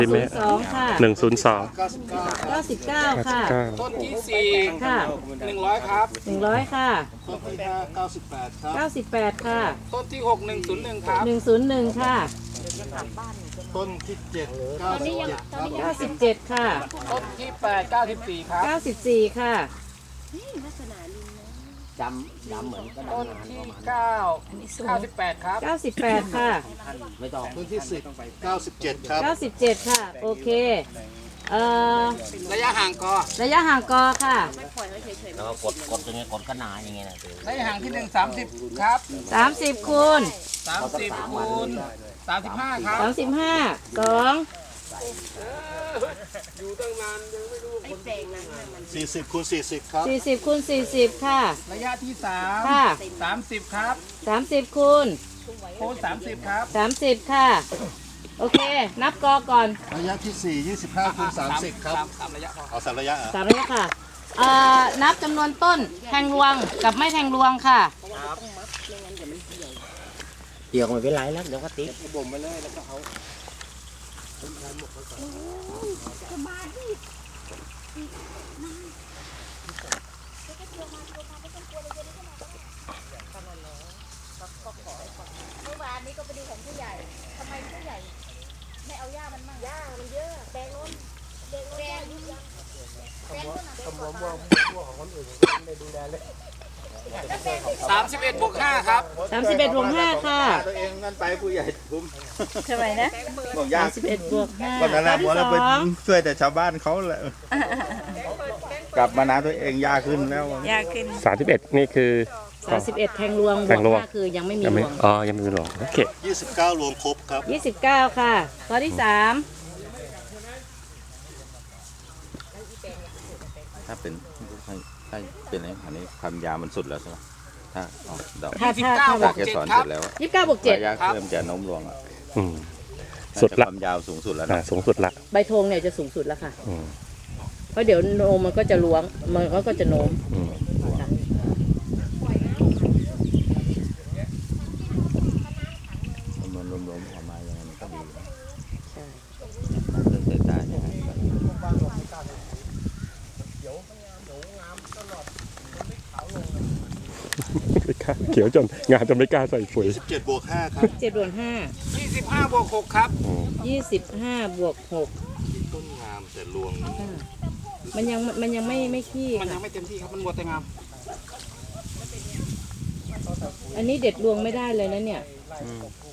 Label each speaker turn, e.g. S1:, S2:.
S1: 102ค่ะ
S2: 102
S1: 99ค่ะ
S3: ต้นที่สี่
S1: ค่ะ
S3: 100ครับ
S1: 100ค่ะ
S3: ต้นที่ห้า98ครับ
S1: 98ค่ะ
S3: ต้นที่6 101ครับ
S1: 101ค่ะ
S3: ต้นที่7 97ครับ
S1: 97ค่ะ
S3: ต้นที่8 94ครับ
S1: 94ค่ะ
S4: จำเหมือนกระดา
S3: ต้
S4: ษ
S3: น
S4: งาน
S3: ที่
S4: ประมาณ
S3: 98ครับ
S1: 98ค่ะ
S4: ไม่ต้อง
S3: ต้นที่10 97ครับ
S1: 97ค่ะโอเค
S3: ระยะห่างก็
S1: ระยะห่างกอค่ะ
S4: แล้วก็กดตรงนี้กดก็นานอย่างเงี้ยนะ
S3: ระยะห่างที่1 30ครับ
S1: 30คูณ
S3: 30คูณ35ครับ
S1: 35 2
S3: 40คูณ40ครับ
S1: 40คูณ40ค่ะ
S3: ระยะที่
S1: ค่ะ
S3: 3 30ครับ
S1: 30คูณ
S3: คูณ30ครับ
S1: 30ค่ะโอเค นับกอก่อน
S3: ระยะที่4 25คูณ30ครับ3ระยะพอเอา3ระยะ
S1: 3ระยะค่ะนับจำนวนต้นแทงรวงกับไม่แทงรวงค่ะ
S4: เกี่ยวไม่เป็นไรแล้วเดี๋ยวก็ติ๊ก
S3: บ่มไปเลยแล้วก็เอา
S5: เมื่อวานนี้ก็ไปดูของผู้ใหญ่ทำไมผู้ใหญ่ไม่เอาหญ้ามันมั่งหญ้ามันเยอะแดงโน้นแดงโน้นแดง
S3: 31บวก5ครับ
S1: 31บวก5ค่ะ
S6: ตัวเองนั่นไปผู้ใหญ่ผม
S1: เท่าไหร่นะ
S6: บอกยาก
S1: 31บวก5
S6: วันนั้น
S1: ข้อ
S6: นะ
S1: ที่
S6: ผมเราไป
S1: 2
S6: ช่วยแต่ชาวบ้านเขาแหละกลับมานะตัวเองยากขึ้นแล้ว
S1: ยากขึ้น
S2: 31นี่คือ
S1: 31แทงรวงบ
S2: แท
S1: วก
S2: งรวง
S1: 5คือยังไม่มี
S2: ยัง
S1: ร
S2: ไม่
S1: วง
S2: ยังไม่มีหลวงโอเค
S3: 29รวมครบครับ
S1: 29ค่ะข้อที่
S6: ถ้าเป็นถ้าเป็นไอ้อันนี้ความยาวมันสุดแล้วใช่ไหมถ้าเอาดอก
S1: 3ถ้า
S6: ถ้าแกสอนเสร็จแล้ว
S1: 29บวก
S6: ระยะเริ่มจะโน้มลงอ่ะ
S2: อืมสุดละ
S6: ความยาวสูงสุดแล้ว
S2: อ่า
S6: นะ
S2: สูงสุดละ
S1: 7ใบธงเนี่ยจะสูงสุดแล้วค่ะ
S2: อืม
S1: เพราะเดี๋ยวโนมมันก็จะล้วงมันก็จะโน้ม
S2: อืม
S1: ค่ะ
S6: มันรวมๆออกมาอย่างนั้นก็ดี
S1: ใช่
S6: เรื่องสายตาอย่างนั้นก็
S2: เขียวจนงานจนไม่กล้าใส่ปุ๋ย
S3: 17บวก5ครับ
S1: 7บวก
S3: 25บวก6ครับ
S1: 5 25บวก6
S3: ต้นงามแต่รวง
S1: มันยังไม่ขี้
S3: มันยั
S1: ค่ะ
S3: งไม่เต็มที่ครับมันมัวแต่งาม
S1: อันนี้เด็ดรวงไม่ได้เลยนะเนี่ย
S6: อืม